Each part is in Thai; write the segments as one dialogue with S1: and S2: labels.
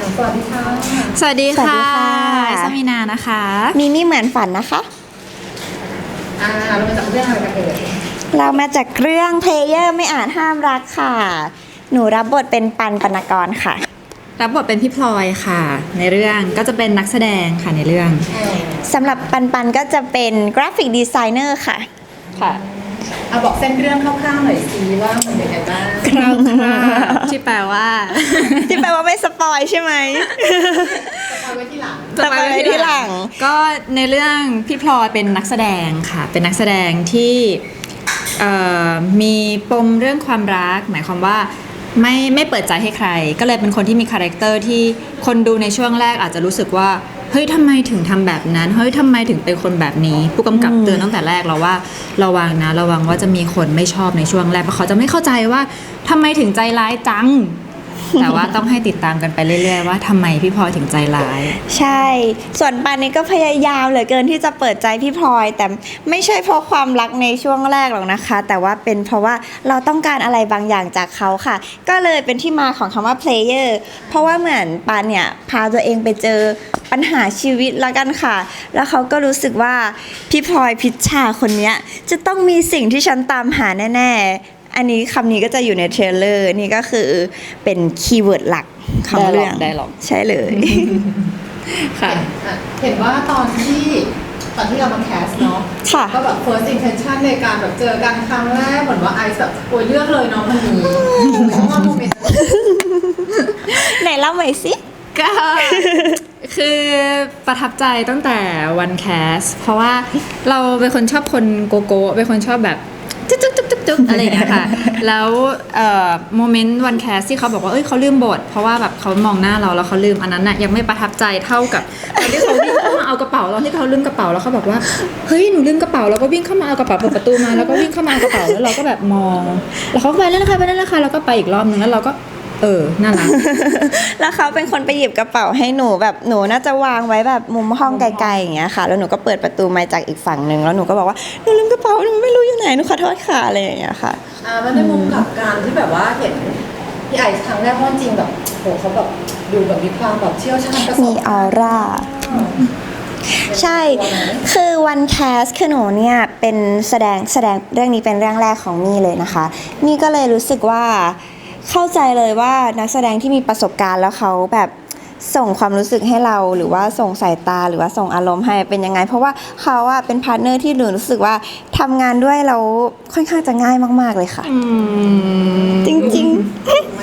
S1: สวัสดีค่ะ
S2: สวัสดีค่ะ
S3: สวัสดีค่ะ
S2: สมินานะคะ
S3: มิมี่เหมือนฝันนะคะ
S1: เรามาจากเรื่องอะไรกันเอ่ย
S3: เรามาจากเรื่องเพลเยอร์ไม่อาจห้ามรักค่ะ หนูรับบทเป็นปันปนกรค่ะ
S2: รับบทเป็นพี่พลอยค่ะ ในเรื่องก็จะเป็นนักแสดงค่ะในเรื่อง
S3: สำหรับปันก็จะเป็นกราฟิกดีไซเนอร์ค่ะ
S2: ค่ะ
S1: บอกเส้นเรื่องคร่าวๆหน่อยสิว่ามันเป็นยังไงบ้าง
S2: คร่าวๆที่แปลว่า
S3: ที่แปลว่าไม่สปอยใช่ไหม
S1: เอาไว้ที่หลัง
S3: สปอยไว้ที่หลัง
S2: ก็ในเรื่องพี่พลอยเป็นนักแสดงค่ะเป็นนักแสดงที่มีปมเรื่องความรักหมายความว่าไม่เปิดใจให้ใครก็เลยเป็นคนที่มีคาแรคเตอร์ที่คนดูในช่วงแรกอาจจะรู้สึกว่าเฮ้ยทำไมถึงทำแบบนั้นเฮ้ยทำไมถึงเป็นคนแบบนี้ผู้กำกับเตือนตั้งแต่แรกเราว่าระวังว่าจะมีคนไม่ชอบในช่วงแรกเพราะเขาจะไม่เข้าใจว่าทำไมถึงใจร้ายจัง แต่ว่าต้องให้ติดตามกันไปเรื่อยๆว่าทำไมพี่พลอยถึงใจร้าย
S3: ใช่ส่วนปันนี่ก็พยายามเหลือเกินที่จะเปิดใจพี่พลอยแต่ไม่ใช่เพราะความรักในช่วงแรกหรอกนะคะ แต่ว่าเป็นเพราะว่าเราต้องการอะไรบางอย่างจากเขาค่ะก็เลยเป็นที่มาของคำว่า player เพราะว่าเหมือนปันเนี่ยพาตัวเองไปเจอปัญหาชีวิตละกันค่ะแล้วเขาก็รู้สึกว่าพี่พลอยพิชชาคนนี้จะต้องมีสิ่งที่ฉันตามหาแน่ๆอันนี้คำนี้ก็จะอยู่ในเทรลเลอร์นี่ก็คือเป็นคีย์เวิร์ดหลักของเรื่องใช่เลย
S2: ค่ะ
S1: เห็นว่าตอนที่เรามาแคสเนาะก็แบบ first intention ในการแบบเจอกันครั้งแรกเหมือนว่าไอซ์แบบโวยเลือกเลยเนาะมันมีโมเมนต์
S3: ไหนเล่าใหม่สิ
S2: ก็คือประทับใจตั้งแต่วันแคสเพราะว่าเราเป็นคนชอบคนโกโก้เป็นคนชอบแบบจุ๊บอะไรอย่างเงี้ยค่ะแล้วโมเมนต์วันแคสที่เขาบอกว่าเขาลืมบทเพราะว่าแบบเขามองหน้าเราแล้วเขาลืมอันนั้นน่ะยังไม่ประทับใจเท่ากับตอนที่เขาวิ่งเข้ามาเอากระเป๋าตอนที่เขาลืมกระเป๋าแล้วเขาบอกว่าเฮ้ยหนูลืมกระเป๋าแล้วก็วิ่งเข้ามาเอากระเป๋าเปิดประตูมาแล้วก็วิ่งเข้ามาเอากระเป๋าแล้วเราก็แบบมองแล้วเขาก็ไปเล่นนะคะแล้วก็ไปอีกรอบนึงแล้วเราก็น่ารัก
S3: แล้วเขาเป็นคนไปหยิบกระเป๋าให้หนูแบบหนูน่าจะวางไว้แบบมุมห้องไกลๆอย่างเงี้ยค่ะแล้วหนูก็เปิดประตูมาจากอีกฝั่งนึงแล้วหนูก็บอกว่าหนูลืมกระเป๋าหนูไม่รู้อยู่ไหนหนูขอโทษค่ะอะไรอย่างเงี้ยค่ะ
S1: มันในมุมกับการที่แบบว่าเห็นพี่ไอซ์ครั้งแรกเพราะจริงแบบโหเขาแบบดูแบบมีความแบบเชี่ยวชาญประสบ
S3: มีออร่าใช่คือวันแคสคือหนูเนี่ยเป็นแสดงเรื่องนี้เป็นเรื่องแรกของมี่เลยนะคะมี่ก็เลยรู้สึกว่าเข้าใจเลยว่านักแสดงที่มีประสบการณ์แล้วเขาแบบส่งความรู้สึกให้เราหรือว่าส่งสายตาหรือว่าส่งอารมณ์ให้เป็นยังไงเพราะว่าเขาอะเป็นพาร์ทเนอร์ที่หนูรู้สึกว่าทำงานด้วยเราค่อนข้างจะง่ายมากๆเลยค่ะจริง
S1: ๆไหม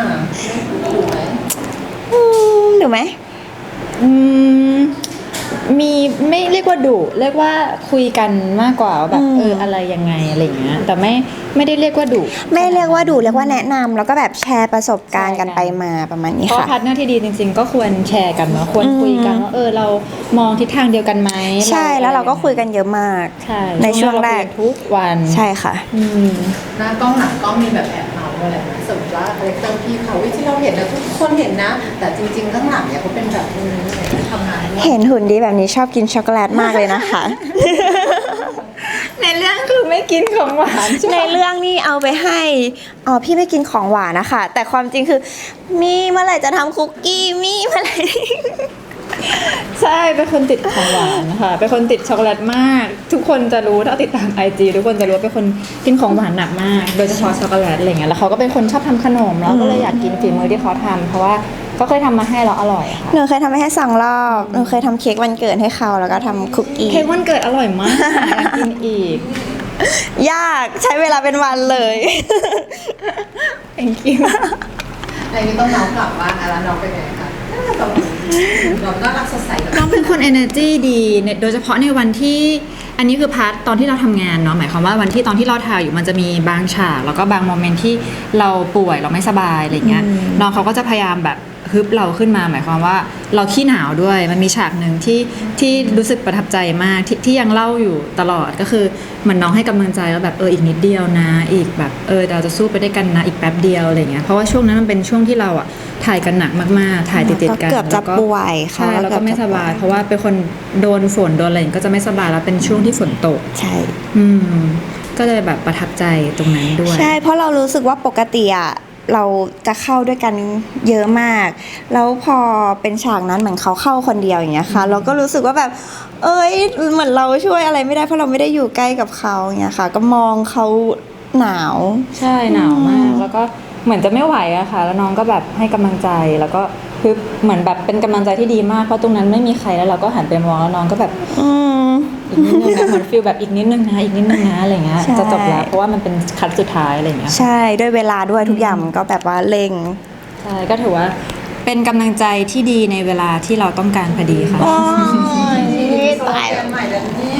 S3: ดูไหม
S2: มีไม่เรียกว่าดุเรียกว่าคุยกันมากกว่าแบบอะไรยังไงอะไรอย่างเงี้ยแต่ไม่ได้เรียกว่าดุ
S3: ไม่เรียกว่าดุเรียกว่าแนะนำแล้วก็แบบแชร์ประสบการณ์กันไปมาประมาณนี้ค่ะ
S2: เพราะพาร์ทเนอร์ที่ดีจริงๆก็ควรแชร์กันเนาะควรคุยกันว่าเรามองทิศทางเดียวกันไหม
S3: ใช่แล้วเราก็คุยกันเยอะมากในช่วงแรก
S2: ทุกวัน
S3: ใช่ค่ะ
S1: หน้ากล้องหลังกล้องมีแบบแอบเมาอะไรนะสมมติว่าคาแรคเตอร์พี่เขาที่เราเห็นนะทุกคนเห็นนะแต่จริงๆข้างหลังเนี่ยเขาเป็นแบบนี้ทำงาน
S3: เห็นหุ่นดีแบบนี้ชอบกินช็อกโกแลตมากเลยนะคะ
S2: ในเรื่องคือไม่กินของหวาน
S3: ในเรื่องนี่เอาไปให้พี่ไม่กินของหวานนะคะแต่ความจริงคือมีเมื่อไหร่จะทำคุกกี้มีเมื่อไหร่
S2: ใช่เป็นคนติดของหวานค่ะเป็นคนติดช็อกโกแลตมากทุกคนจะรู้ถ้าติดตาม IG ทุกคนจะรู้ว่าเป็นคนกินของหวานหนักมากโดยเฉพาะช็อกโกแลตอะไรเงี้ยแล้วเขาก็เป็นคนชอบทำขนมแล้วก็เลยอยากกินฝีมือที่เขาทำเพราะว่าก็เคยทำมาให้เราอร่อยค่ะ
S3: หนูเคยทำให้2 รอบหนูเคยทำเค้กวันเกิดให้เขาแล้วก็ทำคุกกี้
S2: เค้กวันเกิดอร่อยมากอยากกินอีก
S3: ยากใช้เวลาเป็นวันเลย
S2: thank you
S1: อะไรนี้ต้องน้องกลับบ้านแล้วน้องเป็นไงคะเราน่ารักสดใส
S2: น้องเป็นคน energy ดีโดยเฉพาะในวันที่อันนี้คือพาร์ทตอนที่เราทำงานเนาะหมายความว่าวันที่ตอนที่เราถ่ายอยู่มันจะมีบางฉากแล้วก็บางโมเมนต์ที่เราป่วยเราไม่สบายอะไรเงี้ยน้องเขาก็จะพยายามแบบฮึบเราขึ้นมาหมายความว่าเราขี้หนาวด้วยมันมีฉากหนึ่งที่รู้สึกประทับใจมากที่ยังเล่าอยู่ตลอดก็คือเหมือนน้องให้กำลังใจแล้วแบบอีกนิดเดียวนะอีกแบบเราจะสู้ไปได้กันนะอีกแป๊บเดียวอะไรเงี้ยเพราะว่าช่วงนั้นมันเป็นช่วงที่เราอ่ะถ่ายกันหนักมากๆถ่ายติดๆกัน
S3: เกือบจะป่วย
S2: ค่ะแล้วก็ไม่สบายเพราะว่าเป็นคนโดนฝนโดนอะไรก็จะไม่สบายแล้วเป็นช่วงที่ฝนตก
S3: ใช่
S2: ก็เลยแบบประทับใจตรงนั้นด้วย
S3: ใช่เพราะเรารู้สึกว่าปกติอ่ะเราจะเข้าด้วยกันเยอะมาก แล้วพอเป็นฉากนั้นเหมือนเขาเข้าคนเดียวอย่างเงี้ยค่ะเราก็รู้สึกว่าแบบเอ้ยเหมือนเราช่วยอะไรไม่ได้เพราะเราไม่ได้อยู่ใกล้กับเขาอย่างเงี้ยค่ะก็มองเขาหนาว
S2: ใช่หนาวมากแล้วก็เหมือนจะไม่ไหวอะค่ะแล้วน้องก็แบบให้กำลังใจแล้วก็คือเหมือนแบบเป็นกำลังใจที่ดีมากเพราะตรงนั้นไม่มีใครแล้วเราก็หันไปมองแล้วน้องก็แบบอีกนิดนึงนะเหมือนฟีลแบบอีกนิดนึงนะอีกนิดนึงนะอะไรเงี้ย
S3: ใช่
S2: จะจบแล้วเพราะว่ามันเป็นคัดสุดท้ายอะไรเงี้ย
S3: ใช่ด้วยเวลาด้วยทุกอย่างมันก็แบบว่าเร่ง
S2: ใช่ก็ถือว่าเป็นกำลังใจที่ดีในเวลาที่เราต้องการพอดีค่ะ
S3: โอ้ย
S1: โซ
S3: ตาย
S1: เชียลใหม่แล้วเนี่ย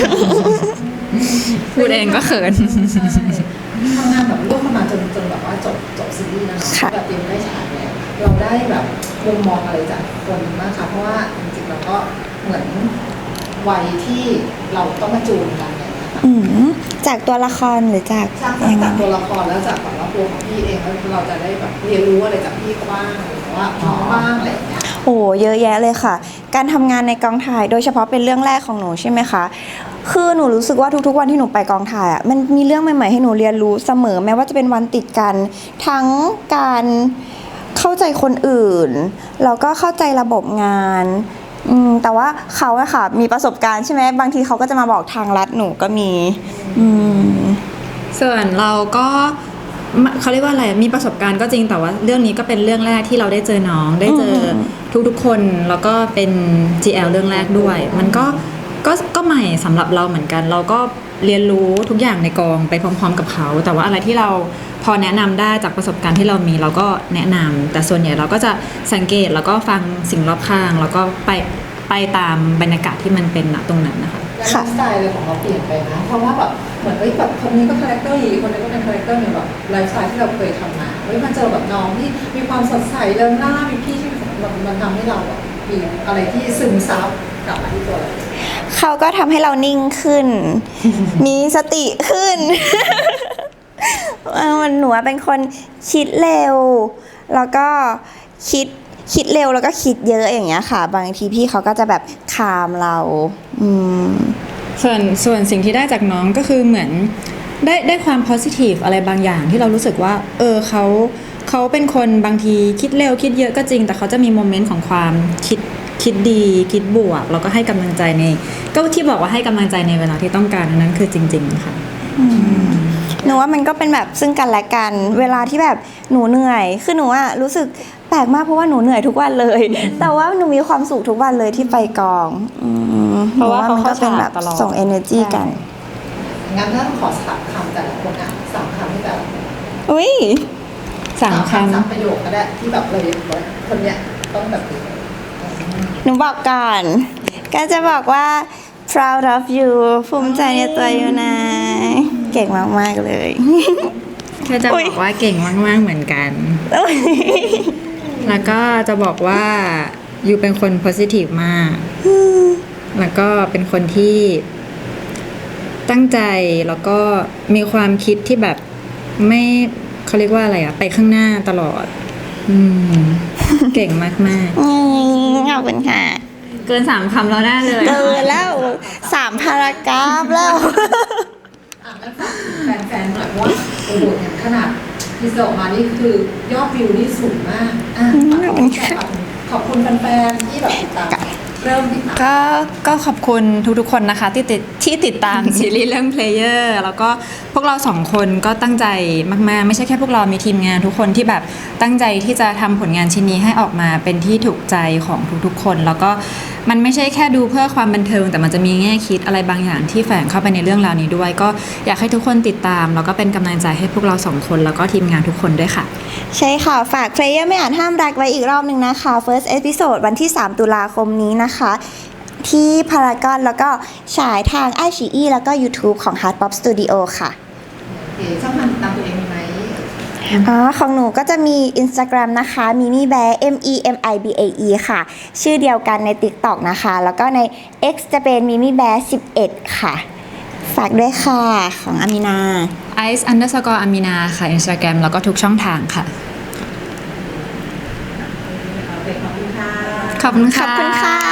S2: พูดเองก็เขิน
S1: ทำงานแบบร่วมกันมาจนแบบว่าจบซีรีส์นะ
S3: ค่ะ
S1: แบบเตรียมได้ฉายแล้วเราได้แบบมุมมองอะไรจากคนมากคะเพราะว่าจริงๆเราก็เหมือนวัยที่เราต้องมาจูนกันเนี่ยนะคะ
S3: จากตัวละครหรือจาก
S1: จาก
S3: ยังไง
S1: ตัวละครแล้วจากแบบว่าตัวของพี่เองแล้วเราจะได้แบบเรียนรู้อะไรจากพี่บ้างหรือว่าน้องบ้างอะไรอย่างเงี้ย
S3: โอ้เยอะแยะเลยค่ะ การทำงานในกองถ่ายโดยเฉพาะเป็นเรื่องแรกของหนูใช่ไหมคะคือหนูรู้สึกว่าทุกๆวันที่หนูไปกองถ่ายอ่ะมันมีเรื่องใหม่ๆให้หนูเรียนรู้เสมอแม้ว่าจะเป็นวันติดกัน ทั้งการเข้าใจคนอื่นแล้วก็เข้าใจระบบงานแต่ว่าเขาอะค่ะมีประสบการณ์ใช่ไหมบางทีเขาก็จะมาบอกทางลัดหนูก็มี
S2: ส่วนเราก็เขาเรียกว่าอะไรมีประสบการณ์ก็จริงแต่ว่าเรื่องนี้ก็เป็นเรื่องแรกที่เราได้เจอน้องได้เจอทุกๆคนแล้วก็เป็น GL เรื่องแรกด้วย มันก็ใหม่สำหรับเราเหมือนกัน เราก็เรียนรู้ทุกอย่างในกองไปพร้อมๆกับเขาแต่ว่าอะไรที่เราพอแนะนำได้จากประสบการณ์ที่เรามีเราก็แนะนำแต่ส่วนใหญ่เราก็จะสังเกตแล้วก็ฟังสิ่งรอบข้างแล้วก็ไปตามบรรยากาศที่มันเป็นณตรงนั้นนะคะ
S1: แล้วไลฟ์สไตล์เลยของเราเปลี่ยนไปนะเพราะว่าแบบเหมือนแบบคนนี้ก็คาแรคเตอร์อีกคนนี้ก็เป็นคาแรคเตอร์ในแบบไลฟ์สไตล์ที่เราเคยทำมามาเจอแบบน้องที่มีความสดใสเริงร่ามีพี่ที่มันทำให้เราแบบมีอะไรที่ซึมซับกลับมาที่ตัวเรา
S3: เขาก็ทำให้เรานิ่งขึ้น มีสติขึ้น มันหนูเป็นคนคิดเร็ว แล้วก็คิดเร็วแล้วก็คิดเยอะอย่างเงี้ยค่ะ บางทีพี่เขาก็จะแบบคามเรา
S2: ส่วนสิ่งที่ได้จากน้องก็คือเหมือนได้ความ positive อะไรบางอย่างที่เรารู้สึกว่าเขาเป็นคนบางทีคิดเร็วคิดเยอะก็จริงแต่เขาจะมีโมเมนต์ของความคิดดีคิดบวกแล้วก็ให้กำลังใจก็ที่บอกว่าให้กำลังใจในเวลาที่ต้องการนั้นคือจริงๆค่ะ
S3: หนูว่ามันก็เป็นแบบซึ่งกันและกันเวลาที่แบบหนูเหนื่อยคือหนูอะรู้สึกแปลกมากเพราะว่าหนูเหนื่อยทุกวันเลย แต่ว่าหนูมีความสุขทุกวันเลยที่ไปกอง
S2: เพราะว่าเขา
S3: มันก็เป็นแบบส่ง energy กัน
S1: งั้นถ้าขอสามคำแต่ละคนอ่ะสามคำให้แต่ละคน
S3: อุ้ย
S2: สามคำ
S1: สามประโยคก็ได้ที่แบบเราคนเนี้ยต้องแบบนี้
S3: หนูบอกก่อนก็จะบอกว่า proud of you ภูมิใจในตัวอยู่นะเก่งมากๆเลย
S2: แค่จะบอกว่าเก่งมากๆเหมือนกัน แล้วก็จะบอกว่ายูเป็นคน positive มาก แล้วก็เป็นคนที่ตั้งใจแล้วก็มีความคิดที่แบบไม่เขาเรียกว่าอะไรอะไปข้างหน้าตลอดเก่งมาก
S3: ขอบคุณค่ะ
S2: ๆเกิน3 คำแล้วได้เลย
S3: เกินแล้ว3 พารากราฟแล้ว
S1: งั้นฝากถึงแฟนๆหน่อยเพราะว่าโอ้โหเนี่ยขนาดที่ออกมานี่คือยอดวิวนี่สูงมากขอบคุณแฟนๆที่แบบติดตามเริ่มติดตาม
S2: ก็ขอบคุณทุกๆคนนะคะที่ติดตาม ซีรีส์เรื่อง Player แล้วก็พวกเรา2 คนก็ตั้งใจมากๆไม่ใช่แค่พวกเรามีทีมงานทุกคนที่แบบตั้งใจที่จะทำผลงานชิ้นนี้ให้ออกมาเป็นที่ถูกใจของทุกๆคนแล้วก็มันไม่ใช่แค่ดูเพื่อความบันเทิงแต่มันจะมีแง่คิดอะไรบางอย่างที่แฝงเข้าไปในเรื่องราวนี้ด้วยก็อยากให้ทุกคนติดตามแล้วก็เป็นกำลังใจให้พวกเรา2 คนแล้วก็ทีมงานทุกคนด้วยค่ะ
S3: ใช่ค่ะฝาก Player ไม่อาจห้ามรักไว้อีกรอบนึงนะคะ First Episode วันที่3 ตุลาคมนี้นะคะที่พารากอนแล้วก็ฉายทาง iQIYI แล้วก็ YouTube ของ Heart Pop Studio ค่ะ
S1: ช่องทางติดตามตัวเองมีไหม
S3: ของหนูก็จะมี Instagram นะคะ mimibae MEMIBAE ค่ะชื่อเดียวกันใน TikTok นะคะแล้วก็ใน X จะเป็น mimibae 11ค่ะฝากด้วยค่ะของอามินา
S2: ice_amina ค่ะ Instagram แล้วก็ทุกช่องทางค่ะ
S1: ขอบคุณค่ะ
S2: ขอบคุณค่ะ
S3: ขอบคุณค่ะ